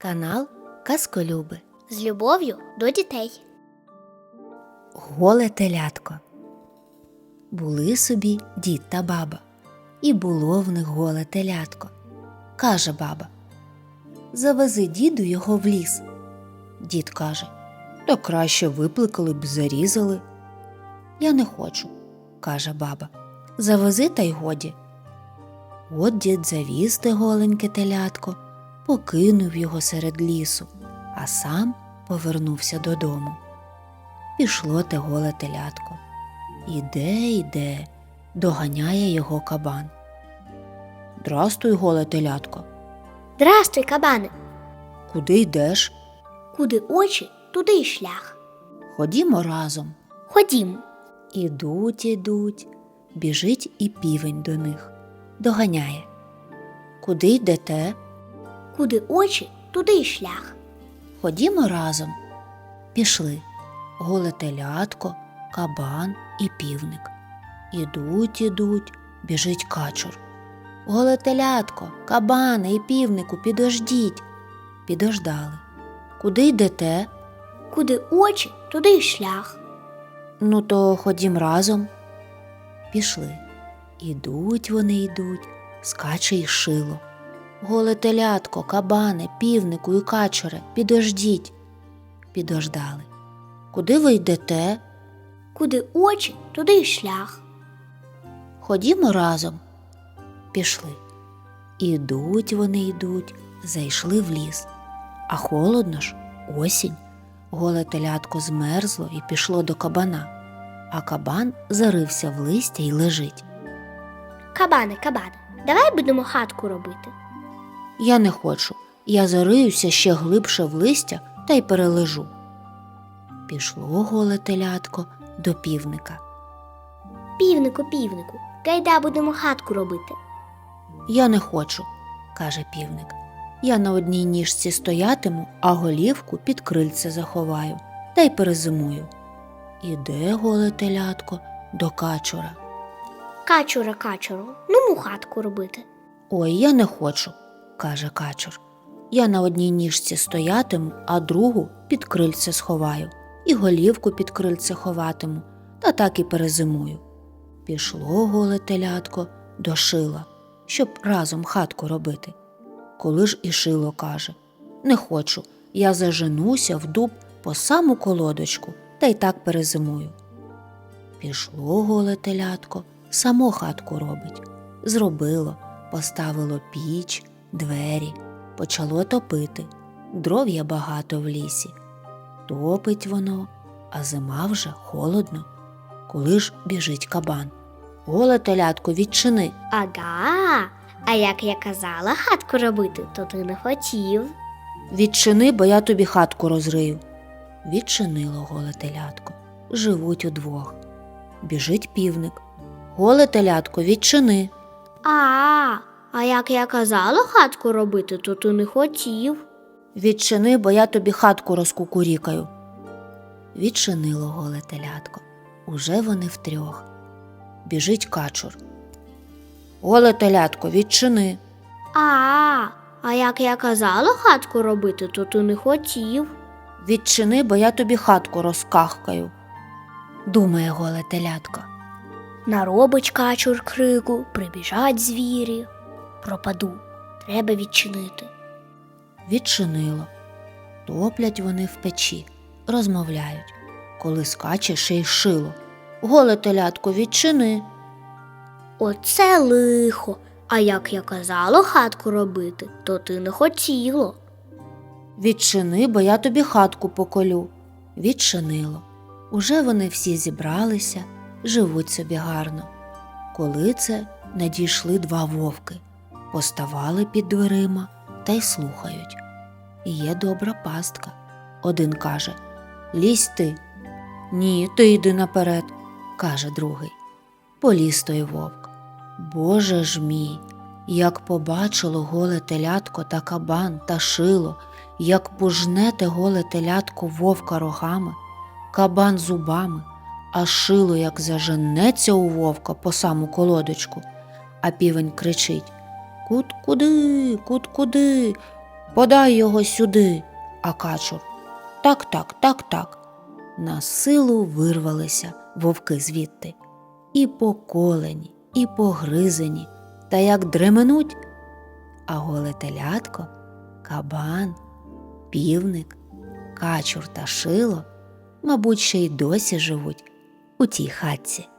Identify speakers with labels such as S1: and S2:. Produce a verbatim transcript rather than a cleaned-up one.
S1: Канал Казколюби.
S2: З любов'ю до дітей.
S1: Голе телятко. Були собі дід та баба, і було в них голе телятко. Каже баба: завези діду його в ліс. Дід каже: та краще випликали б, зарізали. Я не хочу, каже баба, завези та й годі. От дід завіз те голеньке телятко, покинув його серед лісу, а сам повернувся додому. Пішло те голе телятко. Іде, іде, доганяє його кабан. Здрастуй, голе телятко.
S2: Здрастуй, кабане.
S1: Куди йдеш?
S2: Куди очі, туди й шлях.
S1: Ходімо разом.
S2: Ходімо.
S1: Ідуть, ідуть, біжить і півень до них. Доганяє. Куди йдете?
S2: Куди очі, туди й шлях.
S1: Ходімо разом. Пішли. Голе телятко, кабан і півник. Ідуть, ідуть, біжить качур. Голе телятко, кабане і півнику, підождіть. Підождали. Куди йдете?
S2: Куди очі, туди й шлях.
S1: Ну, то ходім разом. Пішли. Ідуть вони, йдуть, скаче й шило. Голе телятко, кабане, півнику і качуре, підождіть. Підождали. Куди ви йдете?
S2: Куди очі, туди й шлях.
S1: Ходімо разом. Пішли. Ідуть вони, йдуть, зайшли в ліс. А холодно ж, осінь. Голе телятко змерзло і пішло до кабана, а кабан зарився в листя й лежить.
S2: Кабане, кабане, давай будемо хатку робити.
S1: Я не хочу, я зариюся ще глибше в листя та й перележу. Пішло голе телятко до півника.
S2: Півнику, півнику, гайда будемо хатку робити.
S1: Я не хочу, каже півник. Я на одній ніжці стоятиму, а голівку під крильце заховаю та й перезимую. Іде голе телятко до качура.
S2: Качура, качуру, ну му хатку робити.
S1: Ой, я не хочу, каже качур. Я на одній ніжці стоятиму, а другу під крильце сховаю, і голівку під крильце ховатиму, та так і перезимую. Пішло голе телятко до шила, щоб разом хатку робити. Коли ж і шило каже: не хочу, я заженуся в дуб по саму колодочку, та й так перезимую. Пішло голе телятко, само хатку робить. Зробило, поставило піч, двері, почало топити. Дров є багато в лісі. Топить воно, а зима вже холодно. Коли ж біжить кабан: голе телятко, відчини.
S2: Ага, а як я казала хатку робити, то ти не хотів.
S1: Відчини, бо я тобі хатку розрию. Відчинило голе телятко. Живуть удвох. Біжить півник: голе телятко, відчини.
S2: А, а як я казала хатку робити, то ти не хотів.
S1: Відчини, бо я тобі хатку розкукурікаю. Відчинило голе телятко. Уже вони втрьох. Біжить качур: голе телятко, відчини.
S2: А, а як я казала хатку робити, то ти не хотів.
S1: Відчини, бо я тобі хатку розкахкаю. Думає голе телятко.
S2: Наробить качур крику, прибіжать звірі. Пропаду, треба відчинити.
S1: Відчинило. Топлять вони в печі, розмовляють. Коли скаче ще й шило: голе телятко, відчини.
S2: Оце лихо, а як я казала хатку робити, то ти не хотіло.
S1: Відчини, бо я тобі хатку поколю. Відчинило. Уже вони всі зібралися, живуть собі гарно. Коли це надійшли два вовки, поставали під дверима та й слухають. Є добра пастка. Один каже: лізь ти. Ні, ти йди наперед, каже другий. Поліз той вовк. Боже ж мій, як побачило голе телятко та кабан та шило, як пожне те голе телятко вовка рогами, кабан зубами, а шило як заженеться у вовка по саму колодочку, а півень кричить: кут куди, кут куди, Подай його сюди, а качур. Так, так, так, так. На силу вирвалися вовки звідти. І поколені, і погризені, та як дременуть. А голе телятко, кабан, півник, качур та шило, мабуть, ще й досі живуть у тій хатці.